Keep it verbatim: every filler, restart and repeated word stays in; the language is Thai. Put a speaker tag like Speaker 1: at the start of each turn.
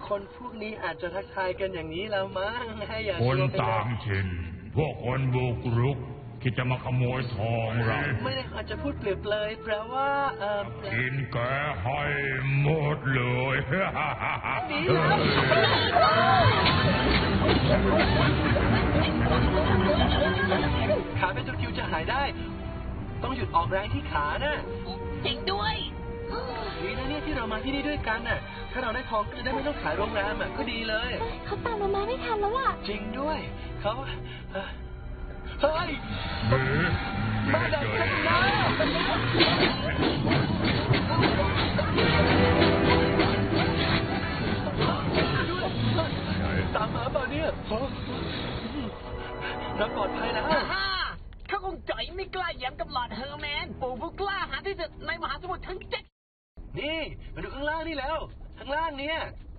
Speaker 1: คนพวกนี้อาจจะทักทายกันอย่างนี้แล้วมั้งให้อย่า
Speaker 2: คนต่างถิ่นพวกคนบุกรุกคิดจะมาขโมยทองเรา
Speaker 1: ไม่ได้อาจจะพูดเปรียบเลยแปลว่าเออ
Speaker 2: กินแกให้หมดเลย
Speaker 1: นี่แล้วขาเป็นตะคริวจะหายได้ต้องหยุดออกแรงที่ขานะ
Speaker 3: จริงด้วย
Speaker 1: ดีนะเนี่ยที่เรามาที่นี่ด้วยกันน่ะถ้าเราได้ทองก็จะได้ไม่ต้องขายโรงแรมอ่ะก็ดีเลย
Speaker 4: เขาตามเรามาไม่ทันแล้วล่ะ
Speaker 1: จริงด้วยเขาเฮ้ยมาดักกันนะตามมาเปล่าเนี่ยเราปลอดภัยแล้ว
Speaker 3: เขาคงจ่อยไม่กล้าแย้มกับหลอดเฮอร์แมนปู่ผู้กล้าหาญที่สุดในมหาสมุทรทั้งเจ็ด
Speaker 1: นี่มาดูข้างล่างนี่แล้วข้างล่างเนี่ย